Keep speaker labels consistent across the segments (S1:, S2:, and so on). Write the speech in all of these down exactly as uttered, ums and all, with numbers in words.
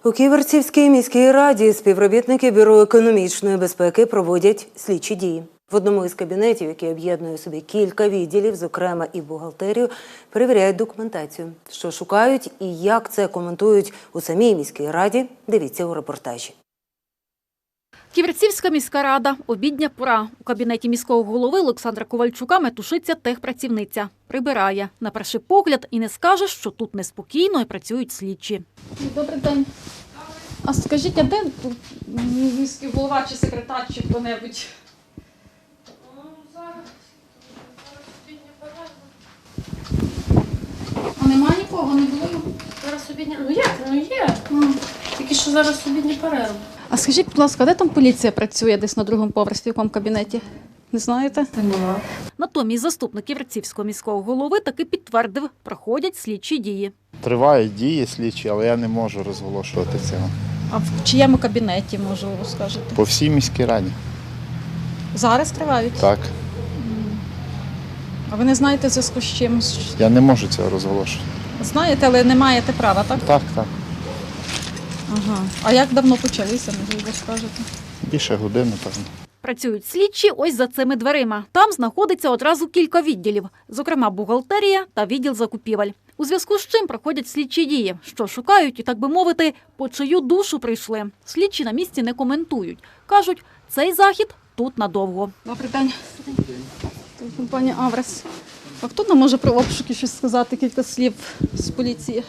S1: У Ківерцівській міській раді співробітники Бюро економічної безпеки проводять слідчі дії. В одному із кабінетів, який об'єднує у собі кілька відділів, зокрема і бухгалтерію, перевіряють документацію. Що шукають і як це коментують у самій міській раді, дивіться у репортажі.
S2: Ківерцівська міська рада. Обідня пора. У кабінеті міського голови Олександра Ковальчука метушиться техпрацівниця. Прибирає. На перший погляд і не скаже, що тут неспокійно і працюють слідчі. Добрий день. А скажіть, а де тут міський голова чи секретар, чи хто-небудь? А немає нікого, не було?
S3: Зараз обідня... Ну як? Ну є. Тільки що зараз обідня перерва.
S2: А скажіть, будь ласка, де там поліція працює десь на другому поверсі, в якому кабінеті? Не знаєте?
S3: Нема.
S2: Натомість заступник Ківерцівського міського голови таки підтвердив, проходять слідчі дії.
S4: Тривають дії слідчі, але я не можу розголошувати цього.
S2: А в чиєму кабінеті, може, ви скажете?
S4: По всій міській раді.
S2: Зараз тривають?
S4: Так.
S2: А ви не знаєте в зв'язку з чим?
S4: Я не можу цього розголошувати.
S2: Знаєте, але не маєте права, так?
S4: Так, так.
S2: Ага. А як давно почалися, можливо, скажете?
S4: Більше години, певно.
S2: Працюють слідчі ось за цими дверима. Там знаходиться одразу кілька відділів, зокрема бухгалтерія та відділ закупівель. У зв'язку з чим проходять слідчі дії, що шукають і, так би мовити, по чию душу прийшли. Слідчі на місці не коментують. Кажуть, цей захід тут надовго. Добрий день. Компанія «Аврес». А хто нам може про обшуки щось сказати, кілька слів з поліції?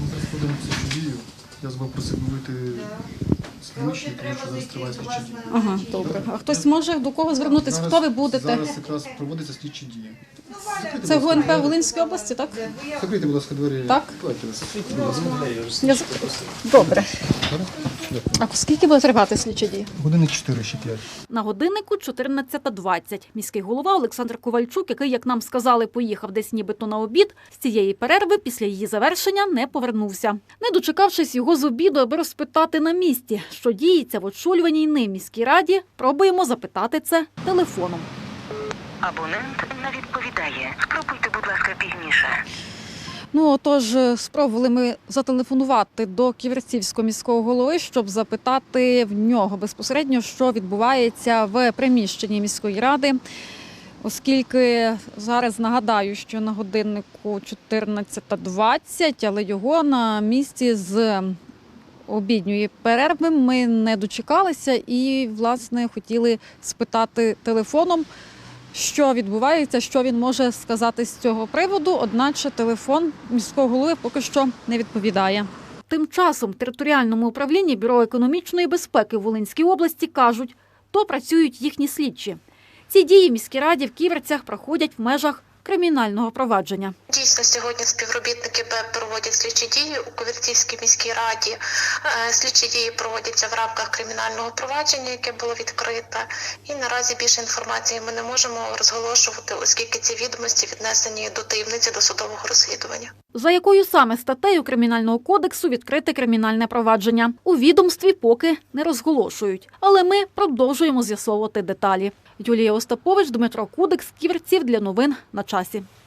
S5: Я вас просив вийти з приміщення, тому що зараз триває слідчі дії.
S2: Ага, добре. А хтось може до кого звернутися?
S5: Зараз,
S2: Хто ви будете?
S5: Зараз якраз проводяться слідчі дії. Закрийте,
S2: Це
S5: будь ласка,
S2: ГУНП Волинської області, так?
S5: Закрийте, будь ласка, двері.
S2: Так.
S5: Давайте вас.
S2: Я закрию. Добре. А скільки буде тривати слідчі дії?
S5: Години чотири, ще п'ять.
S2: На годиннику чотирнадцята двадцять. Міський голова Олександр Ковальчук, який, як нам сказали, поїхав десь нібито на обід, з цієї перерви після її завершення не повернувся. Не дочекавшись його з обіду, аби розпитати на місці, що діється в очолюваній ним міській раді, пробуємо запитати це телефоном.
S6: Абонент не відповідає. Спробуйте, будь ласка, пізніше.
S2: Ну, отож, спробували ми зателефонувати до Ківерцівського міського голови, щоб запитати в нього безпосередньо, що відбувається в приміщенні міської ради. Оскільки зараз нагадаю, що на годиннику чотирнадцята двадцять, але його на місці з обідньої перерви ми не дочекалися і, власне, хотіли спитати телефоном, що відбувається, що він може сказати з цього приводу, одначе телефон міського голови поки що не відповідає. Тим часом в територіальному управлінні Бюро економічної безпеки в Волинській області кажуть, то працюють їхні слідчі. Ці дії в міській раді в Ківерцях проходять в межах кримінального провадження.
S7: Дійсно, сьогодні співробітники БЕП проводять слідчі дії у Ківерцівській міській раді. Слідчі дії проводяться в рамках кримінального провадження, яке було відкрите. І наразі більше інформації ми не можемо розголошувати, оскільки ці відомості віднесені до таємниці досудового розслідування. За
S2: якою саме статтею Кримінального кодексу відкрите кримінальне провадження? У відомстві поки не розголошують. Але ми продовжуємо з'ясовувати деталі. Юлія Остапович, Дмитро Кудик з Ківерців для новин на часі.